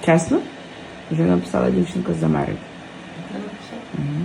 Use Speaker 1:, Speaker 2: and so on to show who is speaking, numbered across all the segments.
Speaker 1: Чесно? Вже написала дівчинка з Америки. Угу.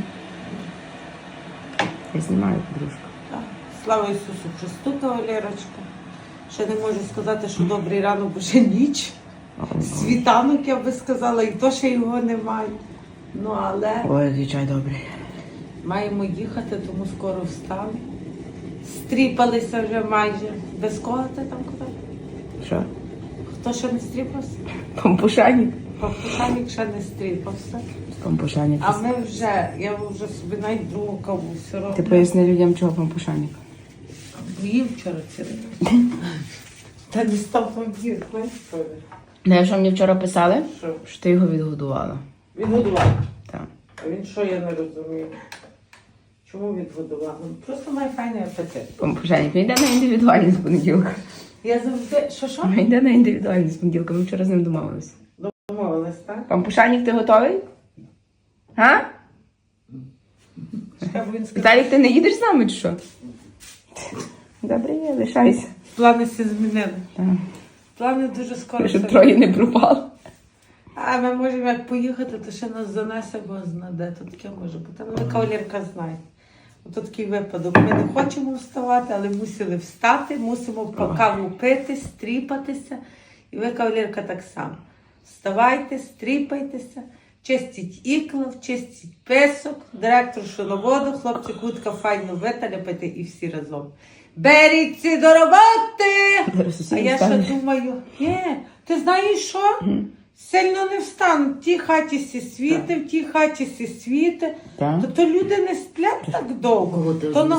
Speaker 1: Я знімаю, подружка.
Speaker 2: Так. Слава Ісусу Христу, кавалерочка. Ще не можу сказати, що добрий ранок, бо ще ніч. Світанок, я би сказала, і то ще його немає. Ну, але
Speaker 1: Ой, звичай добрий.
Speaker 2: маємо їхати, тому скоро встали. Стріпалися вже майже. Без кого ти там казав?
Speaker 1: Що?
Speaker 2: Хто ще не стріпався?
Speaker 1: Пампушанік?
Speaker 2: Папушанік ще не стріпався.
Speaker 1: Пампушанік.
Speaker 2: А ми вже, я вже собі навіть другу каву все роблю.
Speaker 1: Ти поясни людям, чого пампушанік.
Speaker 2: Їв вчора цілий день. Та не став пам'ятати, знаєш, що?
Speaker 1: Не, що мені вчора писали?
Speaker 2: Що?
Speaker 1: Що ти його відгодувала.
Speaker 2: Відгодував.
Speaker 1: Так.
Speaker 2: А він що, я не розумію? Чому відгодував? Ну, просто має файний апетит.
Speaker 1: Пампушанік, він йде на індивідуальність з понеділка.
Speaker 2: Я завжди... Що?
Speaker 1: Він йде на індивідуальність з понеділка, ми вчора з ним домовилися.
Speaker 2: Домовилась, так?
Speaker 1: Пампушанік, ти готовий? А?
Speaker 2: Чекай, бо він сказав.
Speaker 1: Віталік, ти не їдеш з нами чи що? Добре, є, лишайся.
Speaker 2: Плани всі змінили.
Speaker 1: Так.
Speaker 2: Плани дуже скоро.
Speaker 1: Щоб
Speaker 2: все
Speaker 1: троє не пропало.
Speaker 2: А ми можемо як поїхати, то ще нас занесе, бо знаде, то таке може бути. Але кавалерка знає. Ото такий випадок. Ми не хочемо вставати, але мусили встати, мусимо по каву пити, стріпатися. І ви, кавалерка, так само. Вставайте, стріпайтеся, чистіть іклов, чистіть писок, директор шоловоду, хлопці кутка файно виталяпайте і всі разом. Беріться до роботи! А я ще думаю, ти знаєш що? Сильно не встану. В тій хаті сі світи, в тій хаті сі світи. То люди не сплять так довго.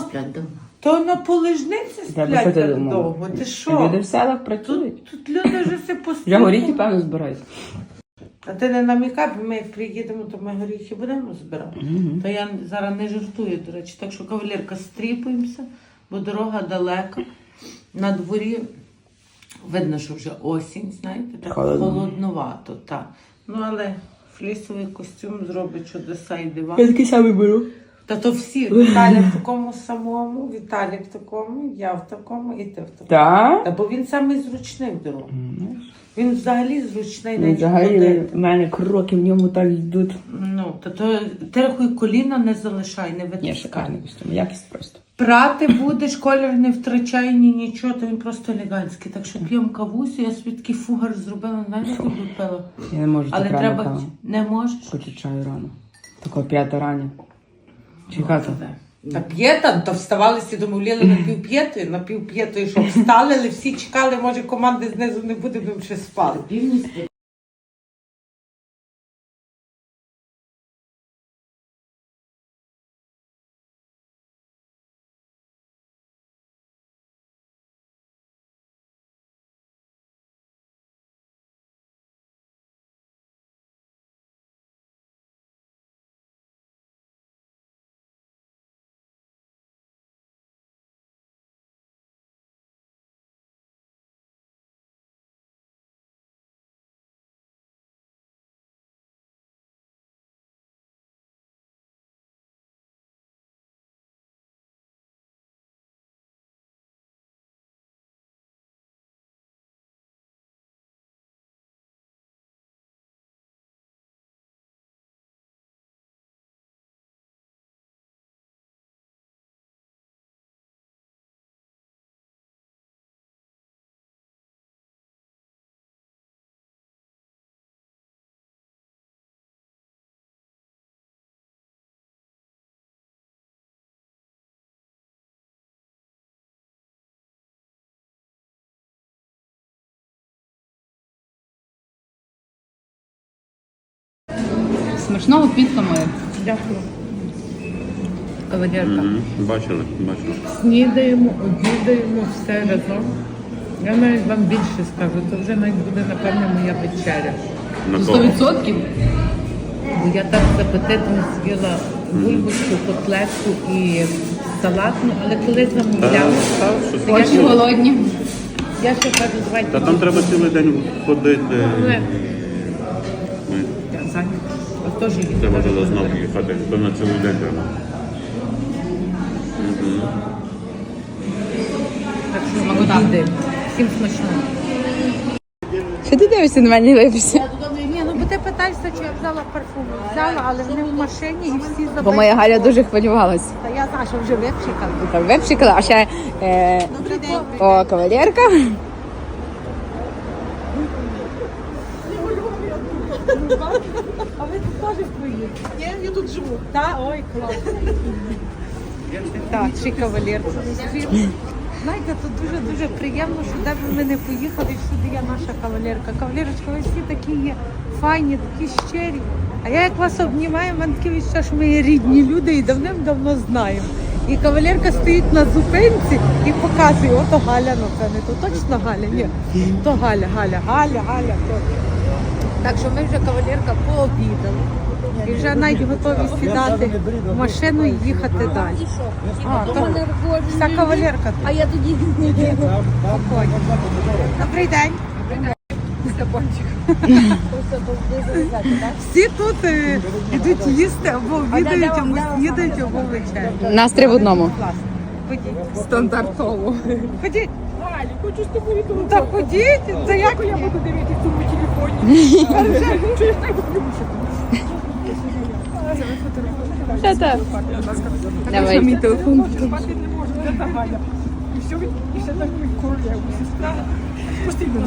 Speaker 2: То на полежниці сплять так довго. Ти що?
Speaker 1: Люди в селах працюють.
Speaker 2: Тут люди вже все
Speaker 1: Вже
Speaker 2: постійно.
Speaker 1: горіхи, певно, збирають.
Speaker 2: А ти не намікай, бо ми як приїдемо, то ми горіхи будемо збирати. То я зараз не жартую, до речі. Так що, кавалерка, стріпуємося, бо дорога далека. На дворі видно, що вже осінь, знаєте, так холодновато. Так. Ну, але флісовий костюм зробить чудеса і дива.
Speaker 1: Я такий самий беру.
Speaker 2: Та то всі. Віталій в такому самому, Віталій в такому, я в такому і ти в такому.
Speaker 1: Так?
Speaker 2: Та бо він самий зручний в дорогу. Він взагалі зручний,
Speaker 1: Ну,
Speaker 2: навіть
Speaker 1: взагалі,
Speaker 2: ходити.
Speaker 1: в мене кроки в ньому так йдуть.
Speaker 2: Ну, то ти рахуй, коліна не залишай, не
Speaker 1: Ні,
Speaker 2: витискай.
Speaker 1: шикарний костюм, якість просто.
Speaker 2: Прати будеш, колір не втрачай, ні нічого, то він просто елегантський. Так що п'ємо кавусю, я собі такий фугар зробила, знаєш, як пила.
Speaker 1: Я не можу
Speaker 2: Але
Speaker 1: так рано
Speaker 2: треба,
Speaker 1: каву.
Speaker 2: не можеш?
Speaker 1: Хочу чаю рано. Такого 5 рання. Чекати.
Speaker 2: Та п'єта, то вставали всі, домовляли на півп'ятої, щоб встали, але всі чекали, може команди знизу не буде, бо ще спали.
Speaker 1: Смачного підка моя.
Speaker 2: Дякую.
Speaker 1: Кавалерка.
Speaker 3: Бачили.
Speaker 2: Снідаємо, обідаємо все разом. Я навіть вам більше скажу, це вже навіть буде, напевне, моя вечеря.
Speaker 3: На кого?
Speaker 1: 100%?
Speaker 2: Бо я так з апетитом з'їла бульбочку, котлетку і салатну, але коли замовляла,
Speaker 1: Очі голодні.
Speaker 2: я ще кажу, давайте.
Speaker 3: Та там треба цілий день ходити.
Speaker 2: Я зайнята. А теж її.
Speaker 3: Треба туди знову їхати. То на цілий день треба.
Speaker 2: Так що обідаємо. Всім смачного.
Speaker 1: Що ти дивишся на мене, випився?
Speaker 2: Ні, ну ти питаєшся, чи я взяла парфум. Взяла, але вони в машині і всі забили.
Speaker 1: Бо моя Галя дуже хвилювалась.
Speaker 2: Та я знаю, що вже випшикала.
Speaker 1: Там випшикала, а ще
Speaker 2: Добрий день.
Speaker 1: о, кавалерка.
Speaker 2: А ви тут теж приїдете? Ні, я тут живу. Так? Ой, класно. Так, чи кавалерка. Знаєте, тут дуже-дуже приємно, що де б ми не поїхали, всюди є наша кавалерка. Кавалерочка, ви всі такі є файні, такі щирі. А я як вас обнімаю, в мене таке відчуття, що ми є рідні люди і давним-давно знаємо. І кавалерка стоїть на зупинці і показує, ото Галя, напевне, то точно Галя? Ні, то Галя, точно. Так що ми вже кавалерка пообідали. І вже навіть готові сідати в машину і їхати далі. А, то вся кавалерка тут.
Speaker 4: А я тоді
Speaker 2: Спокійно. Добрий день. Всі тут йдуть їсти або обідають, або снідають, або вечерять.
Speaker 1: Нас 3 в одному.
Speaker 2: Класно. Ходіть.
Speaker 1: Стандартово.
Speaker 2: Ходіть.
Speaker 4: Галю, хочу з тобою
Speaker 2: Ну так ходіть. Це як
Speaker 4: я буду дивитися в цьому телефоні.
Speaker 1: Що так? Давай. Мій телефон.
Speaker 4: Спати не можу, де та Галя. І все, і ще так королеву, сестра. Постійно.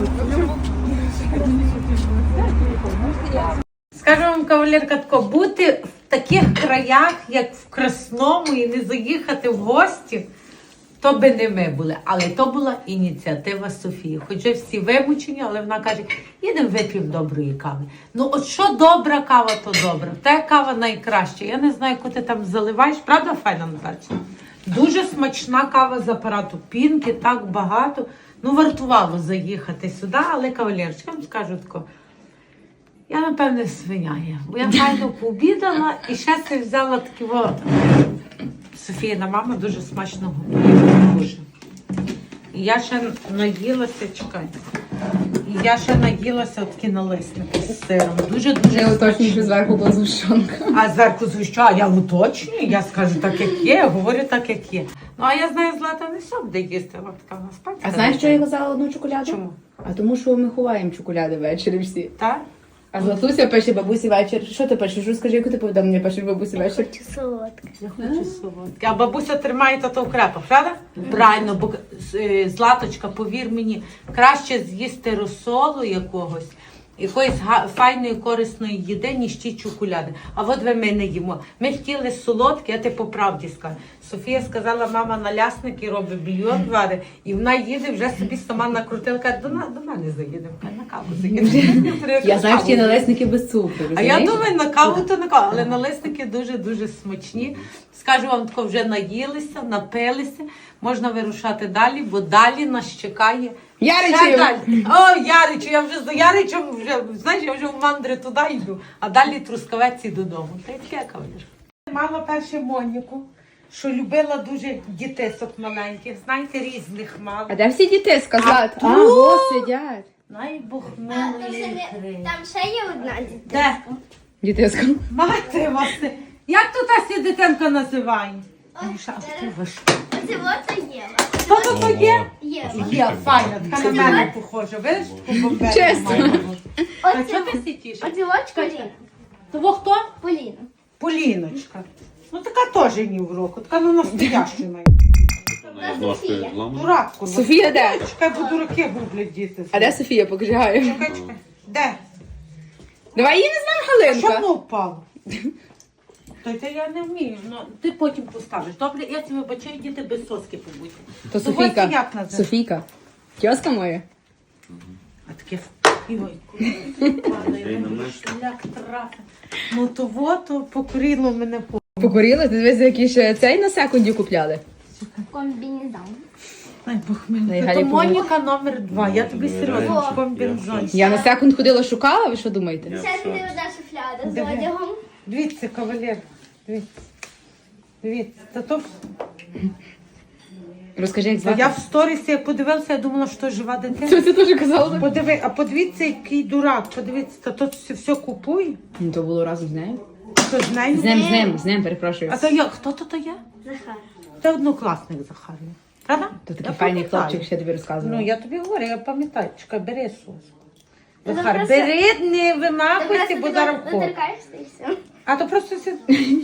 Speaker 2: Скажу вам, кавалерка, тако, бути в таких краях, як в Красному, і не заїхати в гості, то би не ми були. Але то була ініціатива Софії. Хоча всі вимучені, але вона каже, їдемо вип'ємо доброї кави. Ну от що добра кава, то добра. Та кава найкраща. Я не знаю, яку ти там заливаєш. Правда, файна Натальча? Дуже смачна кава з апарату Пінки, так багато. Ну, вартувало заїхати сюди, але кавалерочка, я вам скажу тако, я, напевне, свиня є. Бо я файно пообідала і ще си взяла такі Софіїна мама дуже смачно готує. Дуже. І я ще наїлася, чекайте. І я ще наїлася такі налисники з сиром. Дуже-дуже
Speaker 1: Я уточнюю, що
Speaker 2: смачні.
Speaker 1: зверху була згущенка.
Speaker 2: А зверху звіщаю, я уточнюю, я скажу так, як є, я говорю так, як є. Ну, а я знаю, Злата не все буде їсти, вона така насправді.
Speaker 1: А знаєш, що я казала одну чоколяду?
Speaker 2: Чому?
Speaker 1: А тому, що ми ховаємо чоколяди ввечері всі.
Speaker 2: Так?
Speaker 1: А Златуся пише бабусі вечір. Що ти пишеш? Розкажи, яку ти повідомлення пишеш бабусі вечір?
Speaker 4: Солодке.
Speaker 2: Я хочу солодке. А бабуся тримає тато в крепах, правда? Правильно, бо Златочка, повір мені, краще з'їсти розсолу якоїсь файної, корисної їди, ніж ті чоколяди. А от ви ми не їмо. Ми хотіли солодкі, я ти по правді скажу. Софія сказала, мама налясник і робить бульйон варить, і вона їде, вже собі сама накрутила, каже, до мене заїдемо, на каву заїдемо.
Speaker 1: Я знаю, що ті налисники без цукру.
Speaker 2: А я
Speaker 1: розумієш?
Speaker 2: думаю, на каву то на каву, але налисники дуже-дуже смачні. Скажу вам, тако вже наїлися, напилися, можна вирушати далі, бо далі нас чекає.
Speaker 1: Яричів!
Speaker 2: Ще далі. О, Яричу, я вже за Яричем, знаєш, я вже в мандри туди йду, а далі Трускавець і додому. Та й таке, кавалер. Мама перше Моніку, що любила дуже дітисок маленьких, знаєте, різних мала.
Speaker 1: А де всі діти сказати?
Speaker 2: А
Speaker 1: А,
Speaker 2: тут?
Speaker 1: о, сидять.
Speaker 2: Най Бог
Speaker 4: Там
Speaker 2: милої
Speaker 4: ще,
Speaker 2: гри.
Speaker 4: там ще є одна дітей.
Speaker 2: Де?
Speaker 1: Дітисько.
Speaker 2: Мати вас. Як тут та сі дитинка називає? Міша, а ти ви що?
Speaker 4: Оце от і Єва.
Speaker 2: Хто то є?
Speaker 4: Єва.
Speaker 2: Є, файна, така на мене похожа. Видиш, таку бомбезну
Speaker 1: Чесно.
Speaker 2: маю. А
Speaker 4: Оце
Speaker 2: чого ти сітіш?
Speaker 4: Оце от Поліна.
Speaker 2: Того хто?
Speaker 4: Поліна.
Speaker 2: Поліночка. Ну така теж ні в року, така ну настояща навіть.
Speaker 3: З ложкою зламано.
Speaker 2: Дурак, курва.
Speaker 1: Софія де?
Speaker 2: Чекай, бо дураки гублять діти.
Speaker 1: А де Софія? Покажи Гаю.
Speaker 2: Чекай. Де?
Speaker 1: Давай її не знаємо,
Speaker 2: Що
Speaker 1: Галинка.
Speaker 2: воно впало? То це я не вмію, ну ти потім поставиш. Добре, я тебе вибачаю, діти без соски побудь.
Speaker 1: То
Speaker 2: То ось
Speaker 1: Софійка.
Speaker 2: як називається?
Speaker 1: Софійка. Тьоска моя.
Speaker 2: А таке шлях трафи. Ну то вот покорило мене по.
Speaker 1: Покоріла? Ти дивись, який ще цей на секунді купляли.
Speaker 4: Комбінезон.
Speaker 2: Ай, Бог мене.
Speaker 1: Дай
Speaker 2: То
Speaker 1: Галі
Speaker 2: Моніка номер 2. Я тобі серйозно
Speaker 4: О.
Speaker 2: комбінзон.
Speaker 1: Я на секунд ходила, шукала, ви що думаєте?
Speaker 4: Ще туди одна шуфляда з
Speaker 2: Диви.
Speaker 4: одягом.
Speaker 2: Дивіться, кавалер. Дивіться. Дивіться. Та то
Speaker 1: Розкажи, як
Speaker 2: я
Speaker 1: звати.
Speaker 2: в сторісі як подивилася, я думала, що жива дитина.
Speaker 1: Це ти теж казала?
Speaker 2: А подивіться, який дурак. Подивіться, та то все купує.
Speaker 1: Ну, то було разом з нею.
Speaker 2: То з нею.
Speaker 1: З ним, перепрошую.
Speaker 2: А то як? Хто то є?
Speaker 4: Захар.
Speaker 2: Це однокласник Захар. Правда?
Speaker 1: То
Speaker 2: Я
Speaker 1: такий файний
Speaker 2: пам'ятаю.
Speaker 1: хлопчик, ще тобі розказувала.
Speaker 2: Ну, я тобі говорю, я пам'ятаю. Чекай, бери сос. Захар,
Speaker 5: просто-
Speaker 2: бери, не
Speaker 5: Ти
Speaker 2: вимахуйся,
Speaker 5: просто
Speaker 2: бо зараз
Speaker 5: тако доторкаєшся і все.
Speaker 2: А то просто сі...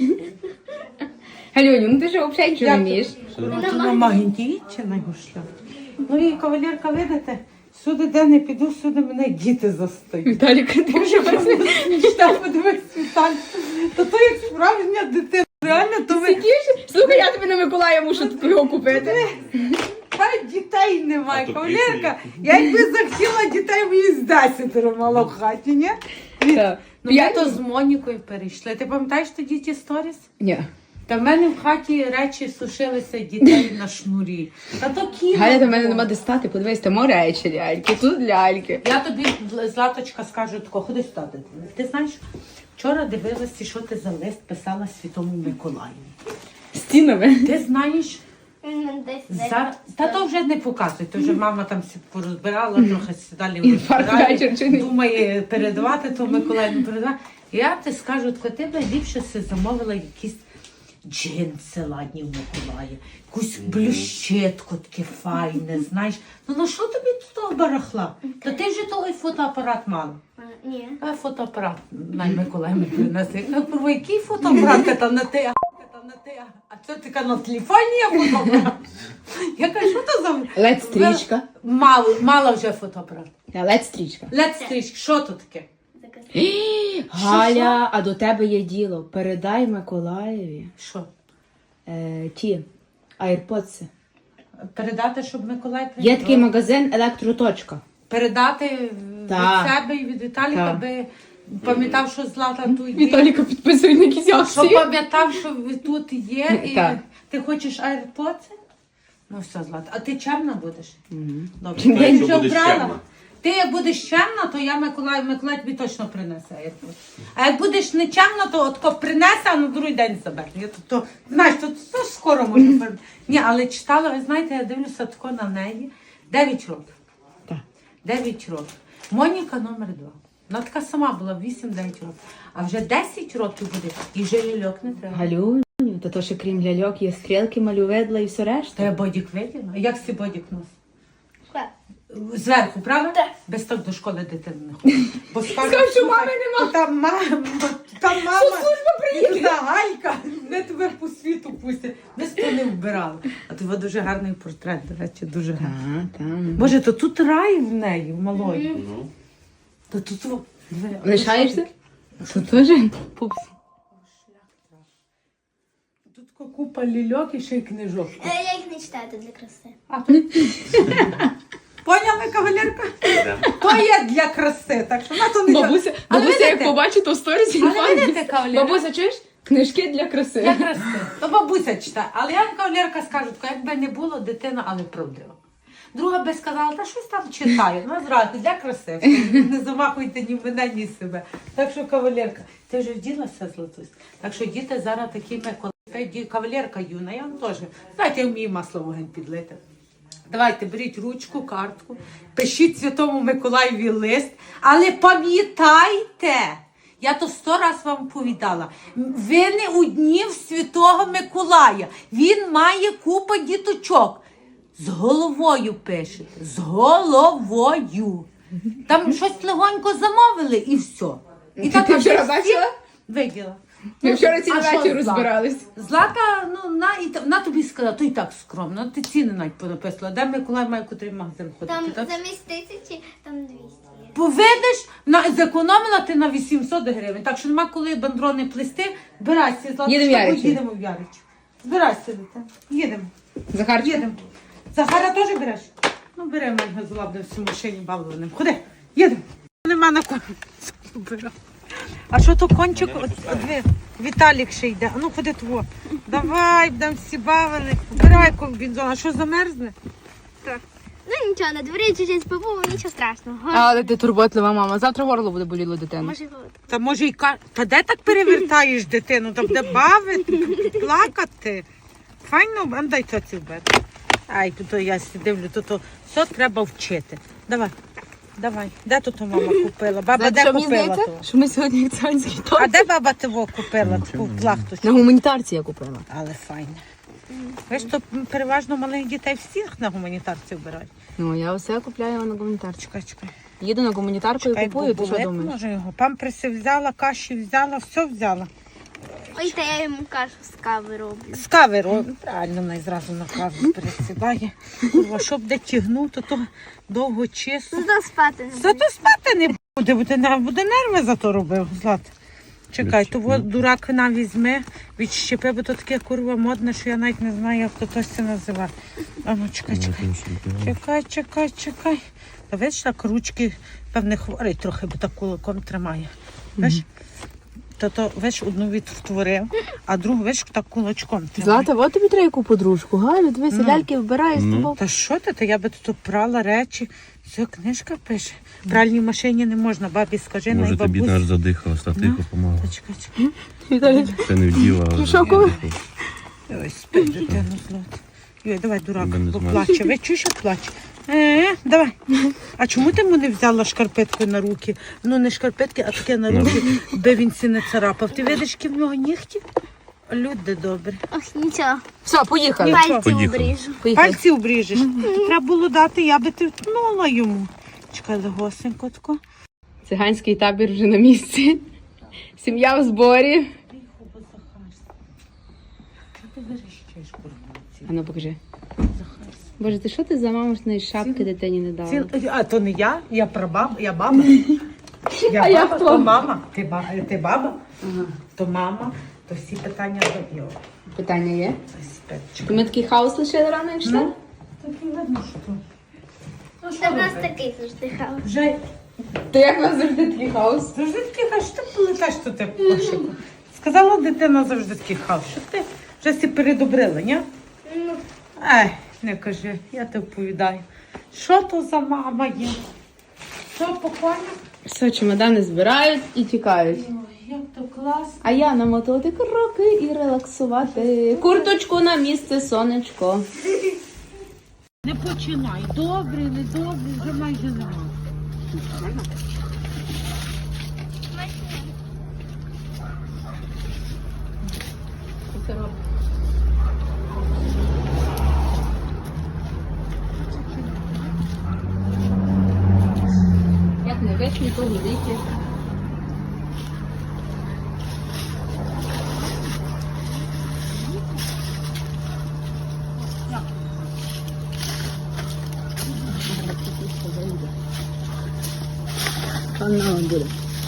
Speaker 1: Галюню, ну ти ж взагалі нічого не вмієш.
Speaker 2: Вона магнітична його шлях. Ну і кавалерка, видите, сюди де не піду, сюди мене діти застають.
Speaker 1: Віталік, ти вже
Speaker 2: Мечта, подивись, Віталь. То як справжня дитина. Реально, то ви...
Speaker 1: сидиш? Слухай, я тобі на Миколая мушу його купити.
Speaker 2: Та дітей немає,
Speaker 3: А то
Speaker 2: кавалерка. Я якби захотіла дітей, мені з 10 мало в хаті, ні?
Speaker 1: Так.
Speaker 2: Ну ми то з Монікою перейшли. Ти пам'ятаєш тоді ті сторіс?
Speaker 1: Ні.
Speaker 2: Та в мене в хаті речі сушилися дітей на шнурі. Та то кіно.
Speaker 1: Галя, до мене
Speaker 2: було.
Speaker 1: нема де стати, подивись, там речі ляльки, тут ляльки.
Speaker 2: Я тобі, Златочка, скажу тако, ходи сюди. Ти знаєш, вчора дивилася, що ти за лист писала Святому Миколаю.
Speaker 1: Стінами.
Speaker 2: Ти знаєш,
Speaker 5: Десь.
Speaker 2: та то вже не показуй, то вже мама там всі порозбирала, трохи далі
Speaker 1: Інфаркт вечір чи ні?
Speaker 2: думає передавати, то Миколай не передавати. Я ти скажу, тако, ти б ліпше си замовила якісь джинси ладні в Миколая, якусь блющетку таке файне, знаєш. Ну що тобі тут того барахла? Та ти вже того й фотоапарат мала.
Speaker 5: Ні.
Speaker 2: А фотоапарат най Миколай мені принеси. Я кажу, який фотоапарат та на те? А це така на телефоні є фотоапарат? Я кажу, що то за...
Speaker 1: Лед-стрічка.
Speaker 2: Мала вже фотоапарат.
Speaker 1: Лед-стрічка.
Speaker 2: Лед-стрічка, що то таке?
Speaker 1: Галя, а до тебе є діло. Передай Миколаєві
Speaker 2: Що?
Speaker 1: ті айрподси.
Speaker 2: Передати, щоб Миколай
Speaker 1: Є такий магазин Електроточка.
Speaker 2: Передати
Speaker 1: Так.
Speaker 2: від себе і від Віталіка,
Speaker 1: Так.
Speaker 2: аби пам'ятав, що Злата тут є.
Speaker 1: Віталіка підписує на якісь
Speaker 2: Щоб
Speaker 1: акції.
Speaker 2: пам'ятав, що ви тут є. І
Speaker 1: Так.
Speaker 2: ти хочеш AirPods? Ну все, Злата. А ти чемна будеш? Добре.
Speaker 1: Чим
Speaker 2: Ти
Speaker 3: якщо
Speaker 2: вже
Speaker 3: будеш
Speaker 2: вбрала?
Speaker 3: чемна?
Speaker 2: Ти як будеш чемна, то я Миколай тобі точно принесе AirPods. А як будеш не чемна, то отко принесе, а на другий день забере. Я то, знаєш, то скоро можу. Ні, але читала, ви знаєте, я дивлюся тако на неї. 9 років.
Speaker 1: Так.
Speaker 2: 9 років. Моніка номер 2. Вона така сама була 8-9 років. А вже 10 років буде. І вже ляльок не треба.
Speaker 1: Галюню, то то ще крім ляльок є стрілки, малюведла і все
Speaker 2: Та
Speaker 1: решта.
Speaker 2: я бодік виділа. А як си бодік носить? Зверху, правда?
Speaker 5: Так.
Speaker 2: Без того до школи дитина не ходить. Бо скажуть,
Speaker 1: Скажуть, що
Speaker 2: слухай,
Speaker 1: мами нема.
Speaker 2: Там мама, і та Галька, не тебе по світу пустять. Ми з того не вбирали. А тебе дуже гарний портрет, до речі, дуже гарний.
Speaker 1: Там.
Speaker 2: Боже, то тут рай в неї, в малої.
Speaker 3: Ну,
Speaker 2: То тут... диви,
Speaker 1: Лишаєшся? Це теж пупс.
Speaker 2: Тут купа лільок і ще й книжок.
Speaker 5: Я їх не читаю, це для краси.
Speaker 2: А тут... Поняли, кавалерка? То є для краси, так що на то не...
Speaker 1: Бабуся,
Speaker 2: Але
Speaker 1: бабуся як
Speaker 2: видите?
Speaker 1: побачить, то в сторісі
Speaker 2: Але видите, кавалерка?
Speaker 1: Бабуся, чуєш? Книжки для краси.
Speaker 2: Для краси. То бабуся читає. Але я вам кавалерка скажу, тако, якби не було дитина, але правдива. Друга би сказала, та щось там читає. Ну, зразу, для краси. Не замахуйте ні мене, ні себе. Так що, кавалерка, ти вже вділася, Златусь? Так що діти зараз такі кавалерка юна, я вам теж. Знаєте, я вмію масло в вогонь підлити. Давайте, беріть ручку, картку, пишіть Святому Миколаєві лист, але пам'ятайте, я то 100 раз вам повідала, ви не одні в Святого Миколая, він має купу діточок. З головою пишете, з головою. Там щось легонько замовили і все. І
Speaker 1: Ти
Speaker 2: там
Speaker 1: вчора
Speaker 2: всі
Speaker 1: бачила?
Speaker 2: виділа.
Speaker 1: Ми вчора цілий
Speaker 2: А що
Speaker 1: вечір
Speaker 2: Злата?
Speaker 1: розбирались.
Speaker 2: Злата, ну, на тобі сказала, то і так скромно, ти ціни навіть понаписала. Де Миколай має котрий магазин ходити?
Speaker 5: Там
Speaker 2: так?
Speaker 5: замість 1000, там 200 є.
Speaker 2: Поведеш, зекономила ти на 800 гривень, так що нема коли бандрони плести. Збирайся, Злата,
Speaker 1: Їдемо в
Speaker 2: що ми
Speaker 1: Яричі.
Speaker 2: їдемо в Яричі. Збирайся, дитя. Їдемо.
Speaker 1: Захарчик?
Speaker 2: Їдемо. Захара теж береш? Ну, бери мене злабне всю машині балованим. Ходи, їдемо. Нема на кого. А що то кончик? Віталік ще йде. А ну ходи тво. Давай, будемо всі бавили. Збирай комбінзон. А що замерзне?
Speaker 5: Ну нічого, на дворі чуть-чуть побув, нічого страшного.
Speaker 1: Але ти турботлива мама. Завтра горло буде боліло дитина.
Speaker 5: Може бути.
Speaker 2: Та може й Та де так перевертаєш дитину? Та буде бавити, плакати. Файно, а дай то ці вбити. Ай, тут я дивлю, тут все треба вчити. Давай, давай. Де тут мама купила? Баба де купила то?
Speaker 1: Що ми сьогодні як царський торт?
Speaker 2: А де баба того купила? Таку плахту?
Speaker 1: На гуманітарці я купила.
Speaker 2: Але файне. Ви ж то переважно малих дітей всіх на гуманітарці вбирають.
Speaker 1: Ну, я все купляю на гуманітарці.
Speaker 2: Чекай, чекай.
Speaker 1: Їду на гуманітарку і купую, ти що думаєш?
Speaker 2: Може його. Памперси взяла, каші взяла, все взяла.
Speaker 5: Ой, та я йому кашу з кави роблю.
Speaker 2: З кави робить. Правильно, вона і зразу на каву пересідає. Курва, щоб де тягнути, то довго чисто.
Speaker 5: Зато спати не
Speaker 2: Зато спати не буде нерви зато робив, Злата. Чекай, то от дурак нам візьме, відщепи, бо то таке курва модне, що я навіть не знаю, як то це називає. А ну, чекай. Та видиш, так ручки, певне, хворий трохи, бо так кулаком тримає. Видиш? То, видиш, одну відтворив, а другу, видиш, так кулачком тримає.
Speaker 1: Злата, от тобі треба яку подружку, Галю, дивися, ляльки вбираєш з тобою.
Speaker 2: Та що ти? Та я би тут прала речі. Все, книжка пише. В пральній машині не можна, бабі скажи,
Speaker 3: Може
Speaker 2: най
Speaker 3: тобі
Speaker 2: бабусь.
Speaker 3: наш задихалась, та тихо помагала.
Speaker 2: Та чекай.
Speaker 1: Віталій,
Speaker 3: Це не вділа, а
Speaker 1: Шокове?
Speaker 3: задихалась.
Speaker 2: Ой, спи, дитину, Злата. Йой, давай, дурак,
Speaker 3: Я не
Speaker 2: бо
Speaker 3: знаю.
Speaker 2: плаче. Ви чуєш, як плаче? Давай. А чому ти йому не взяла шкарпетку на руки? Ну, не шкарпетки, а таке на руки, би він сі не царапав. Ти видиш, які в нього нігті? Люди добрі.
Speaker 5: Ось нічого.
Speaker 1: Все, поїхали.
Speaker 5: Пальці
Speaker 3: Поїхали.
Speaker 5: обріжу.
Speaker 1: Поїхали.
Speaker 2: Пальці обріжеш. Треба було дати, я би ти втнула йому. Чекай, легосенько тако.
Speaker 1: Циганський табір вже на місці. Сім'я в зборі.
Speaker 2: Тихо, бо Захарська. Що ти верещиш, курваці?
Speaker 1: А ну покажи.
Speaker 2: Захарська.
Speaker 1: Боже, ти що ти за мамошної шапки дитині не дала?
Speaker 2: А то не я, я прабаба, я баба. Я
Speaker 1: А я
Speaker 2: баба,
Speaker 1: хто?
Speaker 2: то мама. Ти баба, то мама, то всі питання до його.
Speaker 1: Питання є?
Speaker 2: Спечка.
Speaker 1: То ми такий хаос лишили рано і йшли?
Speaker 2: Так і видно, що. Ну,
Speaker 5: Та в нас такий завжди хаос.
Speaker 2: Вже
Speaker 1: То як у нас завжди такий хаос?
Speaker 2: завжди такий хаос, що ти полетаєш, що ти кошику. Сказала дитина завжди такий хаос, що ти вже всі передобрила, ні?
Speaker 5: Ну,
Speaker 2: Ей, не кажи, я тебе оповідаю. Що то за мама є? Що, покойна?
Speaker 1: Все, чемодани збирають і тікають.
Speaker 2: Ой, як то класно.
Speaker 1: А я намотувати кроки і релаксувати. Курточку на місце, сонечко.
Speaker 2: Не починай. Добре, не добре, вже майже нема.
Speaker 1: Як не весні, то великі. Пан нам буде.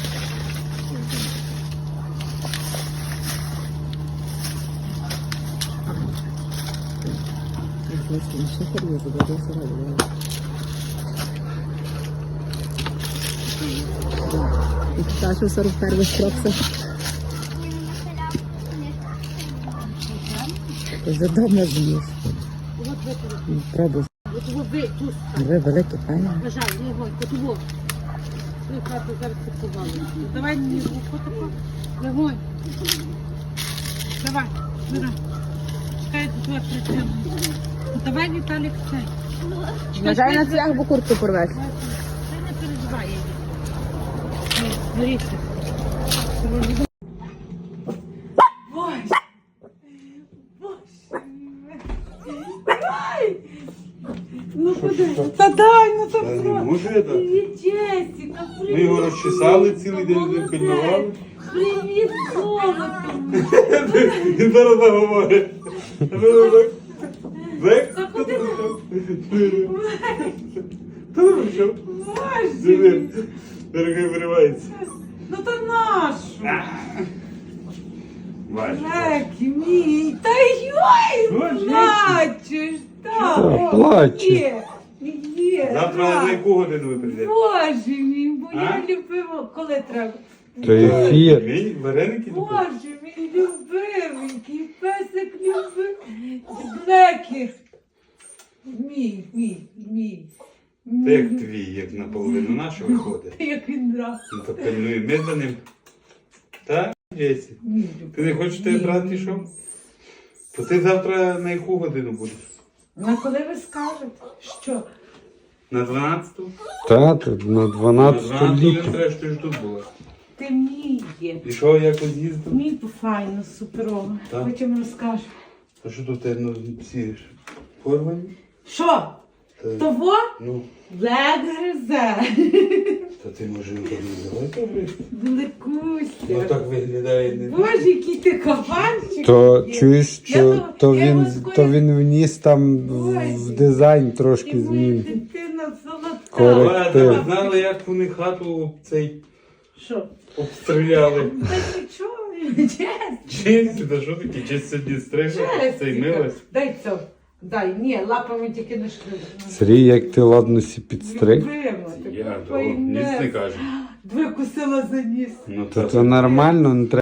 Speaker 1: Сашу 41 строкса. Задовно з'їв. Пробуй. Ви великі, пані.
Speaker 2: Бажай, Легонь, котово. Ну, хату зараз підсували. Давай мені руку таку. Легонь. Давай, давай. Чекай, тут я працюю. Давай, Віталік, це.
Speaker 1: Нажай на цвях, бо куртку порвеш.
Speaker 2: Ти не переживай її. Дивіться. Боже. Боже. Ай! Ну куди? Та дай, ну то
Speaker 3: Не
Speaker 2: що?
Speaker 3: можу я так.
Speaker 2: Привіт, Джесіка, привіт.
Speaker 3: Ми його розчесали цілий день, пильнували.
Speaker 2: Привіт, золото.
Speaker 3: Він зараз так говорить. Зек?
Speaker 2: Заходи.
Speaker 3: Хто там що?
Speaker 2: Боже.
Speaker 3: Дорогий виривається.
Speaker 2: Ну то нашу.
Speaker 3: Бачиш.
Speaker 2: Жекі, мій. Та йой,
Speaker 3: Що, Джесі?
Speaker 2: плачеш. Так,
Speaker 3: плаче?
Speaker 2: Є.
Speaker 3: Завтра
Speaker 2: так.
Speaker 3: на яку годину ви прийдете?
Speaker 2: Боже мій, бо я
Speaker 3: А?
Speaker 2: любила, коли треба.
Speaker 6: То ефір.
Speaker 3: Мій вареники?
Speaker 2: Боже, мій любименький, песик любив. Блекі. Мій.
Speaker 3: Ти як твій, як наполовину нашого виходить.
Speaker 2: Як він драв.
Speaker 3: Ну то пильнує ми за ним. Так, Джесі?
Speaker 2: Мій
Speaker 3: Ти не хочеш тебе брат пішов? То ти завтра на яку годину будеш?
Speaker 2: На коли ви скажете, що?
Speaker 3: На 12-ту?
Speaker 6: Тато, на
Speaker 3: На
Speaker 6: 12
Speaker 3: 12-ту
Speaker 6: літо.
Speaker 3: треба, що ти ж тут була.
Speaker 2: Ти мій є.
Speaker 3: І що, якось їздив?
Speaker 2: Мій файно, суперово.
Speaker 3: Так.
Speaker 2: Потім розкажу.
Speaker 3: А що тут ну, всі ж порвані?
Speaker 2: Що? Того
Speaker 3: Ну,
Speaker 2: лед гризе.
Speaker 3: та ти може не давай.
Speaker 2: Далекуся.
Speaker 3: Ну так виглядає не.
Speaker 2: Боже, який ти кабанчик.
Speaker 6: То чуєш,
Speaker 2: Я
Speaker 6: то він вніс там в дизайн трошки
Speaker 2: І моя
Speaker 6: змін.
Speaker 2: дитина солодка.
Speaker 6: Коректив.
Speaker 3: Ви знали, як вони хату цей
Speaker 2: Що?
Speaker 3: обстріляли?
Speaker 2: Та нічого, чесно.
Speaker 3: Честь, та що таке? Честь сьогодні стригла, цей милась.
Speaker 2: Дай це. Дай, ні, лапами тільки не шкрив.
Speaker 6: Сергій, як ти ладно сі підстриг.
Speaker 3: Я того ніс не кажу.
Speaker 2: Викусила за ніс.
Speaker 3: Ну,
Speaker 6: То нормально, не треба.